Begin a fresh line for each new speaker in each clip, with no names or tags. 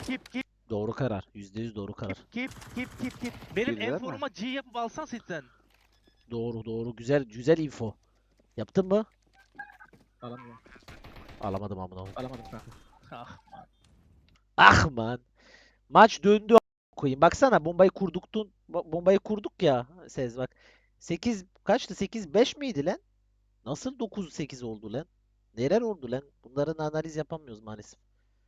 Keep.
Doğru karar. %100 doğru karar.
Keep. Benim
Girdiler mi?
enforma G yapıp alsan sitten.
Doğru. Güzel info. Yaptın mı?
Alamıyorum.
Alamadım amına.
Alamadım kanka.
Ah.
Ah man. Maç döndü koyayım. Baksana bombayı kurduk ya Sez bak. 8 kaçtı? 8-5 miydi lan? Nasıl 9-8 oldu lan? Neler oldu lan? Bunların analiz yapamıyoruz maalesef.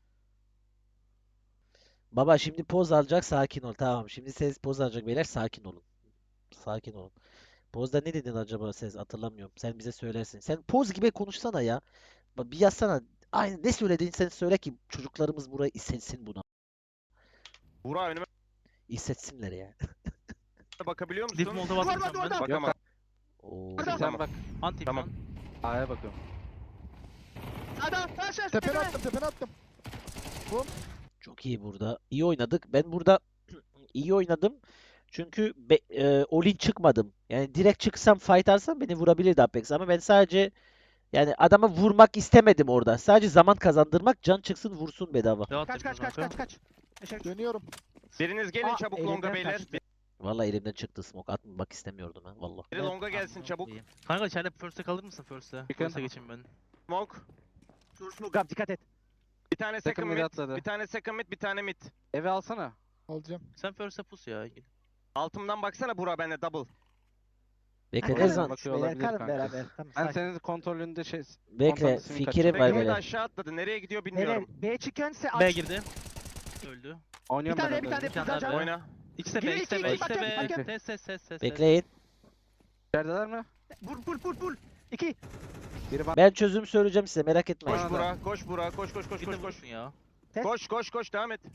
Baba şimdi poz alacak, sakin ol. Tamam. Şimdi Sez poz alacak beyler, sakin olun. Sakin olun. Pozda ne dedin acaba Sez? Hatırlamıyorum. Sen bize söylersin. Sen poz gibi konuşsana ya. Bak bir yazsana. Aynı ne söylediğini sen söyle ki çocuklarımız burayı hissetsin buna.
Burak önüme
Hissetsinler ya.
bakabiliyor musun?
Dip molda basmayacağım ben.
Yok
Bakamam.
Oo.
Tamam.
Sen bak.
Anti
Tamam.
şu an.
A'ya bakıyorum.
Adam aşağı
Tepene attım.
Çok iyi burada. İyi oynadık. Ben burada iyi oynadım. Çünkü all-in çıkmadım. Yani direkt çıksam fight arsam beni vurabilirdi Apex ama ben sadece yani adamı vurmak istemedim orada. Sadece zaman kazandırmak, can çıksın vursun bedava.
Devam et.
Kaç.
Dönüyorum.
Biriniz gelin
Aa,
çabuk
elimden
longa beyler.
kaçtı.
Vallahi elimden çıktı smoke atmak istemiyordum ha vallahi.
Biri longa gelsin çabuk.
Kanka içeride first'e kalır mısın first'e?
Chicken.
First'e geçeyim ben.
Smoke.
Gab dikkat et.
Bir tane
Second
second
mid
mid.
atladı.
Bir tane second mid, bir tane mid.
Eve alsana. Alacağım.
Sen first'e pus ya.
Altımdan baksana Burak bende double.
Bekle
Aynen.
ne zaman?
Bakıyor
Beyler
olabilir
kalın
kanka.
beraber. Tamam,
Ben
sakin.
senin kontrolünde
Bekle
Kontakt ismini
fikrim var
Second mid
böyle.
aşağı atladı. Nereye gidiyor
Beyler
bilmiyorum.
B çıkıyorsa
B
aç.
girdi. Öldü.
oynuyorum
Bir tane,
ben
bir
orada.
tane.
Bir tane daha
Güzel
B.
Oyna.
İkisi de
Gir,
B, ikisi de
iki,
B,
iki,
ikisi de
bakın,
B.
bakın.
Ses.
Bekleyin.
İçerideler mi?
Vur. 2.
Biri bana.
Ben çözüm söyleyeceğim size merak etmeyin.
Koş
Bana da.
Burak, koş Burak, koş.
Bir de vursun ya.
Koş devam et.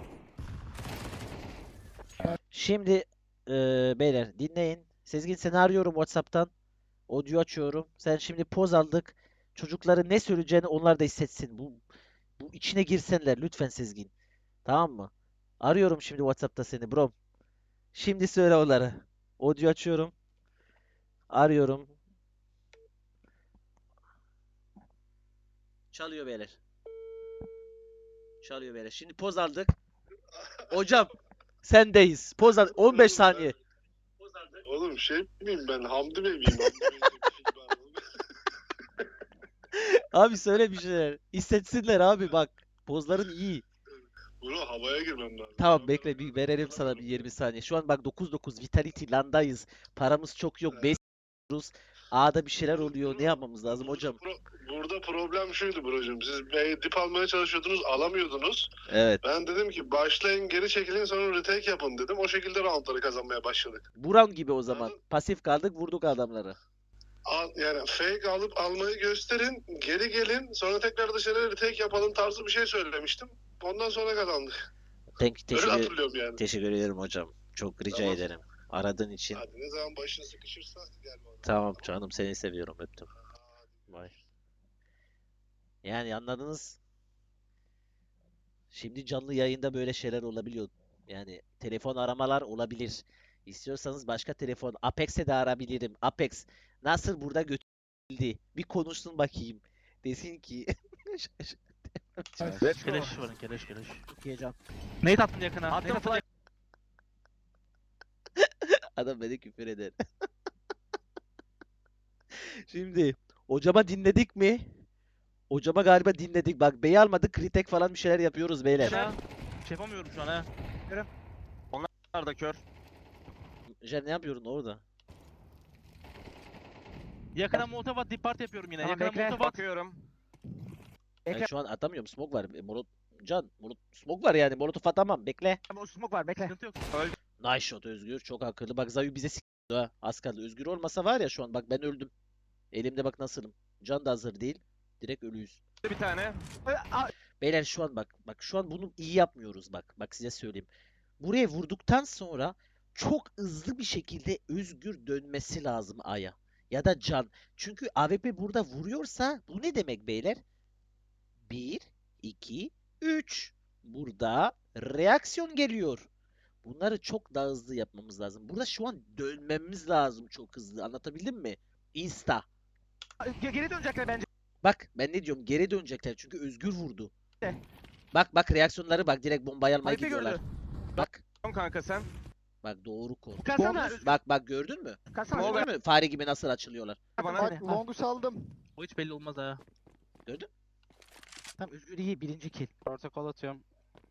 Şimdi beyler dinleyin. Sezgin seni arıyorum WhatsApp'tan. Audio açıyorum. Sen şimdi poz aldık. Çocukların ne söyleyeceğini onlar da hissetsin. Bu içine girsenler lütfen Sezgin. Tamam mı? Arıyorum şimdi WhatsApp'ta seni bro. Şimdi söyle onları. Audio açıyorum. Arıyorum. Çalıyor beyler. Çalıyor beyler. Şimdi poz aldık. Hocam sendeyiz. Poz al 15 saniye.
Oğlum şey miyim ben? Hamdi Bey miyim? Hamdi Bey'in bir film var oğlum.
Abi söyle bir şeyler. Hissetsinler abi bak. Pozların iyi.
Bro havaya girmem lazım.
Tamam bekle bir verelim sana bir 20 saniye. Şu an bak 9-9 Vitality landayız. Paramız çok yok. 5 diyoruz. A'da bir şeyler oluyor. Ne yapmamız lazım hocam?
Burada problem şuydu brocum. Siz B'ye dip almaya çalışıyordunuz, alamıyordunuz.
Evet.
Ben dedim ki başlayın, geri çekilin, sonra retake yapın dedim. O şekilde roundları kazanmaya başladık.
Buran gibi o zaman. Pasif kaldık vurduk adamları.
Yani fake alıp almayı gösterin, geri gelin, sonra tekrar dışarı retake yapalım tarzı bir şey söylemiştim. Ondan sonra kazandık. Öyle
Teşekkür,
hatırlıyorum yani.
teşekkür ederim hocam. Çok rica
Tamam.
ederim. Aradığın için.
Hadi ne zaman başın sıkışırsa gel bana.
Tamam canım seni seviyorum öptüm. Bye. Yani anladınız. Şimdi canlı yayında böyle şeyler olabiliyor. Yani telefon aramalar olabilir. İstiyorsanız başka telefon Apex'e de arabilirim. Apex nasıl burada götürüldü? Bir konuşsun bakayım. Desin ki
Let's go.
Keleş varın keleş.
Çok iyi can.
Nate attım yakına.
Attım
Nate attım
flash.
adam beni küfür eder. Şimdi hocama dinledik mi? Hocama galiba dinledik. Bak B'yi almadık. Kritek falan bir şeyler yapıyoruz beyler.
yakına. Şey yapamıyorum şu an ha.
Onlar da kör.
Jen ne yapıyorsun orada?
Yakına molotov at depart yapıyorum yine.
Tamam,
Yakına
bekle.
molotov at.
Bakıyorum.
Ben şu an atamıyorum. Smoke var. Smoke var yani. Molotov atamam. Bekle.
Ama smoke var bekle.
Sıkıntı yok.
Nice shot Özgür. Çok akıllı. Bak Zayu bize s***dı ha. Az kaldı. Özgür olmasa var ya şu an. Bak ben öldüm. Elimde bak nasılım. Can da hazır değil. Direkt ölüyüz.
Bir tane.
Beyler şu an bak. Bak şu an bunu iyi yapmıyoruz bak. Bak size söyleyeyim. Buraya vurduktan sonra çok hızlı bir şekilde Özgür dönmesi lazım A'ya. Ya da Can. Çünkü AWP burada vuruyorsa bu ne demek beyler? 1, 2, 3. Burada reaksiyon geliyor. Bunları çok daha hızlı yapmamız lazım. Burada şu an dönmemiz lazım çok hızlı. Anlatabildim mi? Insta.
Geri dönecekler bence.
Bak ben ne diyorum? Geri dönecekler çünkü Özgür vurdu. Bak reaksiyonları bak, direkt bombayı almaya
Haypi
gidiyorlar.
gördü.
Bak
Tamam kanka sen.
bak doğru kol.
Kalsana.
Bak gördün mü?
Kalsana.
Ne oluyor?
Gördün mü? Fare gibi nasıl açılıyorlar.
Bana
Bak,
Long'u saldım.
O hiç belli olmaz ha.
Gördün?
Tamam Özgür iyi birinci kill.
Protokol atıyorum.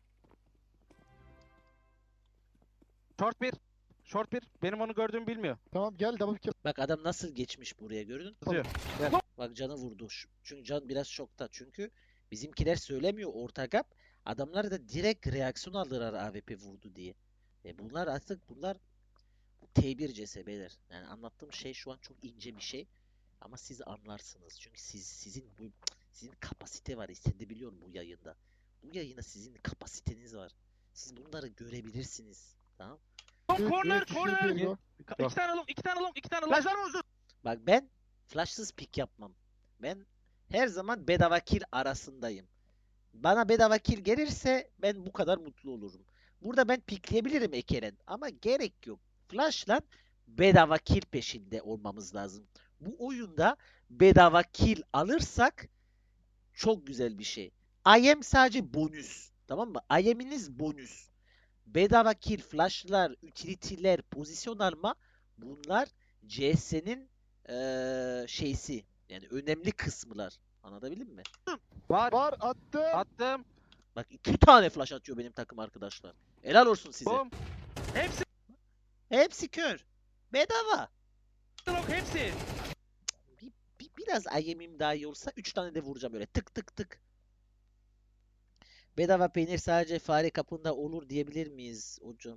Short bir. Short bir. Benim onu gördüğümü bilmiyor.
Tamam gel double kill.
Bak adam nasıl geçmiş buraya, gördün mü?
Yazıyor.
Bak canı vurdu. Çünkü can biraz şokta. Çünkü bizimkiler söylemiyor orta gap. Adamlar da direkt reaksiyon aldılar AWP vurdu diye. Bunlar artık bunlar T1 CSB'ler. Yani anlattığım şey şu an çok ince bir şey. Ama siz anlarsınız. Çünkü sizin kapasite var. Hissedebiliyorum bu yayında. Bu yayında sizin kapasiteniz var. Siz bunları görebilirsiniz. Tamam?
Corner,
Üç,
corner.
iki, bir, go.
İki tane long, iki tane long, iki tane long.
Flash var mı uzun?
Bak ben flashsız pick yapmam. Ben her zaman bedava kill arasındayım. Bana bedava kill gelirse ben bu kadar mutlu olurum. Burada ben pickleyebilirim Ekeren ama gerek yok. Flash'la bedava kill peşinde olmamız lazım. Bu oyunda bedava kill alırsak çok güzel bir şey. IM sadece bonus. Tamam mı? IM'iniz bonus. Bedava kill, flash'lar, utility'ler, pozisyon alma, bunlar CS'nin şeysi. Yani önemli kısımlar. Anlatabildim mi?
Var.
Var attım.
Attım.
Bak 2 tane flash atıyor benim takım arkadaşlar. Helal olsun size.
Bom.
Hepsi
Hepsi kör. Bedava.
long, hepsi.
Biraz IM'im daha iyi olsa 3 tane de vuracağım öyle. Tık tık tık. Bedava peynir sadece fare kapında olur diyebilir miyiz hocam?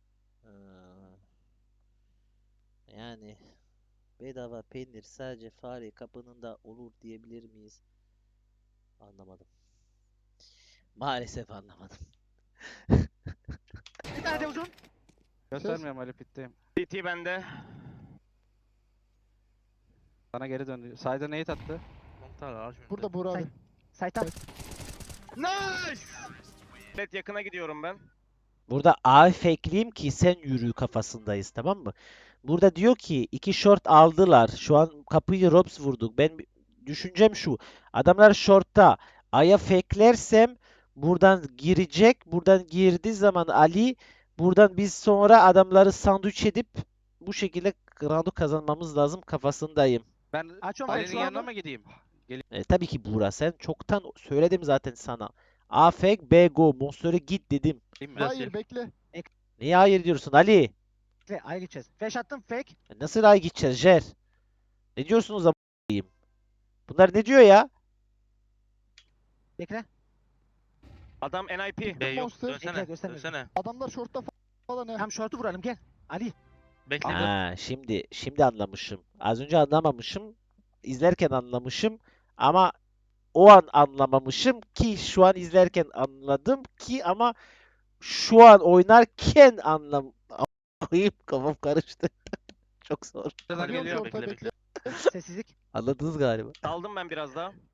Yani bedava peynir sadece fare kapınında olur diyebilir miyiz? Anlamadım. Maalesef anlamadım.
Bir tane de uzun.
Göstermiyorum Ali pitteyim.
CT bende.
Sana geri döndü. Side'a nade attı.
Long tane var şimdi.
Burada Buğra abi.
Saytan.
Nice! Evet yakına gidiyorum ben.
Burada A fakeleyeyim ki sen yürü kafasındayız, tamam mı? Burada diyor ki 2 short aldılar. Şu an kapıyı Robs vurduk. Düşüncem şu. Adamlar short'ta. A'ya fakelersem buradan girecek. Buradan girdiği zaman Ali, buradan biz sonra adamları sandviç edip bu şekilde round'u kazanmamız lazım kafasındayım.
Ben
Açıyorum
Ali'nin
şu
yanına
anda.
mı gideyim?
Tabii ki Buğra, sen çoktan söyledim zaten sana. A fake B go. Monster'e git dedim.
Gideyim mi?
Biraz
Hayır
şey.
bekle.
Niye hayır diyorsun Ali?
Bekle A'ya gideceğiz. Flash attım fake.
Nasıl ay gideceğiz Jer? Ne diyorsunuz a**ayım? Bunlar ne diyor ya?
Bekle.
Adam NIP.
B yok.
Monster.
Dönsene.
Bekle, göstermiyorum.
Dönsene.
Adamlar short'ta falan ya.
Tam short'u vuralım gel. Ali.
Bekle.
Ha, şimdi anlamışım. Az önce anlamamışım. İzlerken anlamışım ama o an anlamamışım ki şu an izlerken anladım ki ama şu an oynarken koyayım, kafam karıştı. Çok zor.
Neler
Geliyorum
geliyor.
short'a
bekle,
bekle.
Sessizlik.
Anladınız galiba.
Saldım ben biraz daha.